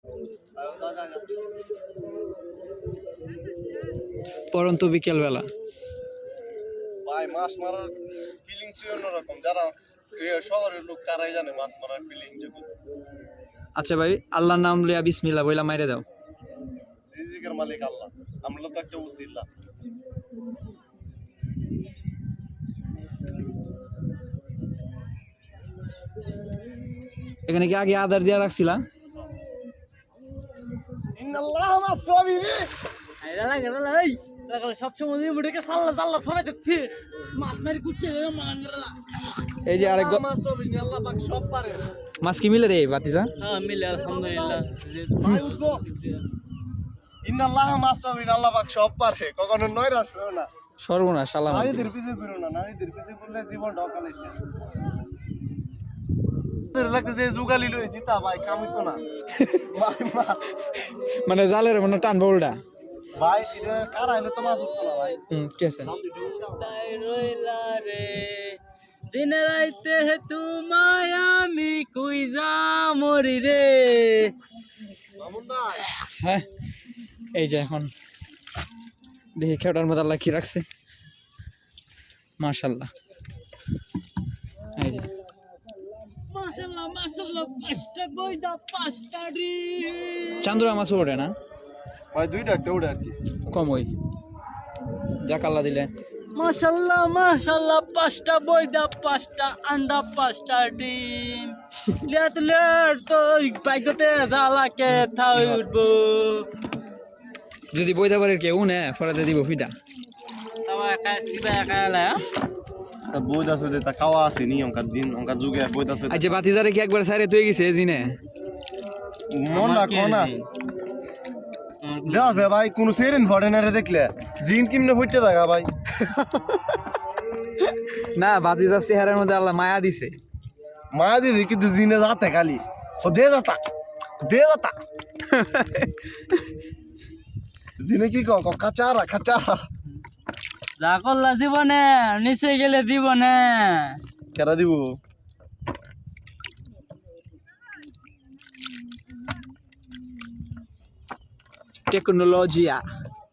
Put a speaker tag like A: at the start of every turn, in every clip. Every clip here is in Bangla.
A: পরন্ত বিকেল বেলা
B: ভাই মাছ মারার ফিলিংস অন্যরকম। যারা শহরের লোক তারাই জানে মাছ মারার ফিলিং।
A: আচ্ছা ভাই, আল্লাহর নাম লিয়া বিসমিল্লাহ বইলা মাইরে দাও।
B: রিজিকের মালিক আল্লাহ, আমরা তো একটা উসিলা।
A: এখানে কি আগে আদার দিয়া রাখছিলা?
B: ইন্নাল্লাহ মাসবিরি
C: আইরা লাগা লাই লাগা সব সময় মুড়েকে সাল্লা সাল্লা ফরাই দেখতে মাছ মারি কুচ্ছে মাঙ্গরা।
A: এই যে আরেক
B: মাসবিরি আল্লাহ পাক সব পারে।
A: মাছ কি মিলে রে বাতিজা?
C: হ্যাঁ মিলে আলহামদুলিল্লাহ।
B: ভাই উঠবো। ইন্নাল্লাহ মাসবিরি আল্লাহ পাক সব পারে, কখনো নৈরাশ হও না।
A: সর্বনাশ সালাম।
B: নারীদের পিছে ঘুরো না, নারীদের পিছে ঘুরলে জীবনটা অকালে শেষ। লাগতেছে জুগালি লইছি তা ভাই কামিতো না।
A: মানে জালের মনে টানবো উল্টা।
B: ভাই এটা কার আইলে তো মাছ উঠতো না ভাই।
A: ঠিক আছে।
C: তাই রইলা রে দিন রাইতে তোমায় আমি কুইজা মরি রে।
B: মামুন ভাই
A: হ্যাঁ, এই যে এখন দেখি খেটার মধ্যে আল্লাহ কি রাখছে। মাশাআল্লাহ, এই যে
C: মাশাআল্লাহ মাশাআল্লাহ পাঁচটা বইদা পাঁচটা রে।
A: চান্দুরা মাছ ওঠে না
B: ভাই, দুইটা একটা উঠে আর কি
A: কম, ওই যাক আল্লাহ দিলে।
C: মাশাআল্লাহ মাশাআল্লাহ পাঁচটা বইদা পাঁচটা আন্ডা পাঁচটা ডিম। লেট লেট তো বাইকতে জালাকে থাই উঠবো।
A: যদি বইতে পারে কেউ নে ফরাতে দিব ফিটা।
C: তাও একা সিবা একা এলা
B: তা বইদ আছে যে তা খাওয়া আছে নি অঙ্কার দিন অঙ্কার যুগে বইদ আছে।
A: আচ্ছা বাতিজারে কি একবার সাইরে তুই গেছে জিনে
B: মন না কোনা দেওয়া আছে ভাই, কোন সেরেন ফরেনারে দেখলে জিন কিমনে ফুটতে থাকা ভাই।
A: না, বাতিজার চেহারার মধ্যে আল্লাহ মায়া দিছে।
B: মায়া দিদি কিন্তু জিনে যাতে খালি ও দে যাতা দে যাতা। জিনে কি ক কাচারা কাচারা
C: যা করলা জীবনে নিচে গেলে দিব না।
B: কেরা দিব
A: টেকনোলজিয়া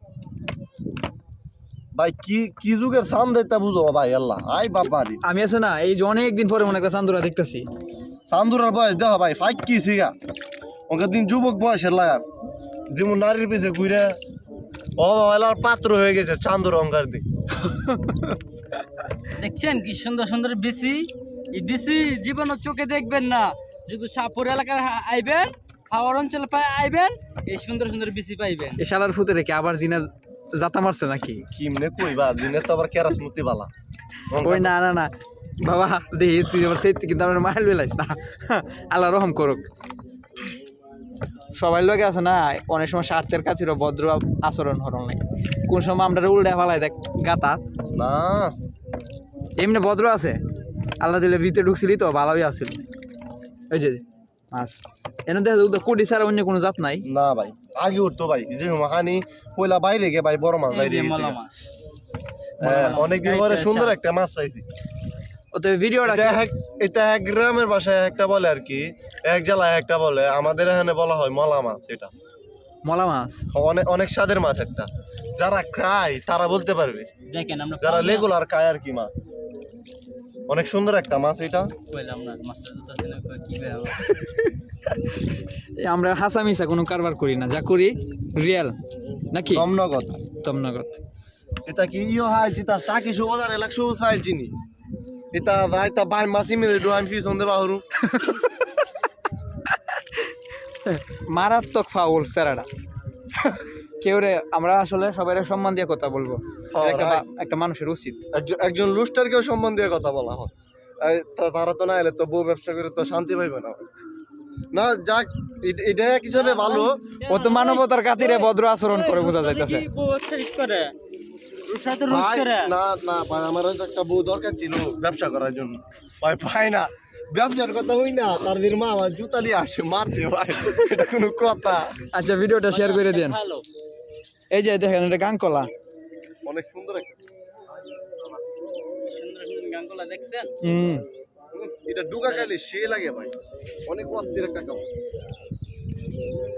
B: ভাই, কি কি যুগের সান দেতা বুঝো ভাই আল্লাহ। আই বাবারি
A: আমি আছে না, এই যে অনেকদিন পরে মনে একটা চান্দুরা দেখতেছি।
B: চান্দুরার বয়স দেখো ভাই ফাইক কি সিগা ওকে দিন যুবক বয়সের লাগার যেমন নারীর পিছে ঘুরে ও এলার পাত্র হয়ে গেছে চান্দুর অঙ্গার দিক।
C: দেখছেন কি সুন্দর সুন্দর বিসি। এই বিসি জীবনে চোখে দেখবেন না, যদি সাপুর এলাকায় আইবেন হাওড় অঞ্চলে আইবেন এই সুন্দর সুন্দর বিসি পাইবেন।
A: এই শালার ফুতে রেখে আবার জিনে জাতা মারছে নাকি?
B: কিমনে কইবা দিনে তো আবার কেরাস মতি বালা।
A: ওই না না না বাবা, দেখি তুই আবার সেই কিন্তু আমার মাইল বেলাইস না। আল্লাহ রহম করুক। সবাই লোকে আছে না, অনেক সময় স্বার্থের কাছে ভদ্র আচরণ হরণ নাই। কোন সময় আমরা উল্টা ফালাই দেখ গাতা
B: না
A: এমনি ভদ্র আছে। আল্লাহ দিলে ভিতরে ঢুকছিলি তো ভালোই আছিল। ওই যে মাছ এনে দেখা কোটি ছাড়া অন্য কোনো জাত নাই।
B: না ভাই, আগে উঠতো ভাই যে মাখানি পয়লা বাইরে গে ভাই বড় মাছ বাইরে গেছে। হ্যাঁ, অনেকদিন পরে সুন্দর একটা মাছ পাইছি।
A: ও তো ভিডিওটা
B: এটা এক গ্রামের ভাষায় একটা বলে আর কি, এক জেলায় একটা বলে। আমাদের এখানে বলা হয় মলা মাছ। এটা
A: মলা মাছ,
B: অনেক অনেক স্বাদের মাছ একটা। যারা খায় তারা বলতে পারবে,
C: দেখেন আমরা
B: যারা রেগুলার খায় আর কি মাছ। অনেক সুন্দর একটা মাছ এটা।
C: কইলাম না মাছটা কি
A: আমরা হাসা মিশা কোনো কারবার করি না, যা করি রিয়েল নাকি
B: তমনগত
A: তমনগত।
B: এটা কি ইও হাই জিতা টাকি সুবাদার এলাক সবুজ ফাইল চিনি এটা ভাই তা বাই মাছি মিলে ডোয়ান ফি সন্দে বাহরু।
A: মারাত্মক ফাউল সেরাটা। কেউ রে, আমরা আসলে সবাই সম্মান দিয়ে কথা বলবো, একটা মানুষের উচিত।
B: একজন লুস্টারকেও সম্মান দিয়ে কথা বলা হয়। তারা তো না এলে তো বউ ব্যবসা করে তো শান্তি পাইবে না। না যাক, এটা এক হিসাবে ভালো।
A: ও তো মানবতার খাতিরে ভদ্র আচরণ করে বোঝা যাইতেছে।
B: ভাই না না ভাই, আমার একটা বউ দরকার ছিল ব্যবসা করার জন্য। ভাই পাই না, ব্যবসার কথা হই না, তার দিন মা আমার জুতালি আসে মারতে। ভাই এটা কোনো কথা?
A: আচ্ছা ভিডিওটা শেয়ার করে দেন। এই যে দেখেন এটা গাংকলা,
B: অনেক সুন্দর একটা
C: সুন্দর সুন্দর গাঙ্গলা দেখছেন।
B: এটা ডুগা খাইলে সে লাগে ভাই, অনেক অস্থির একটা কাপড়।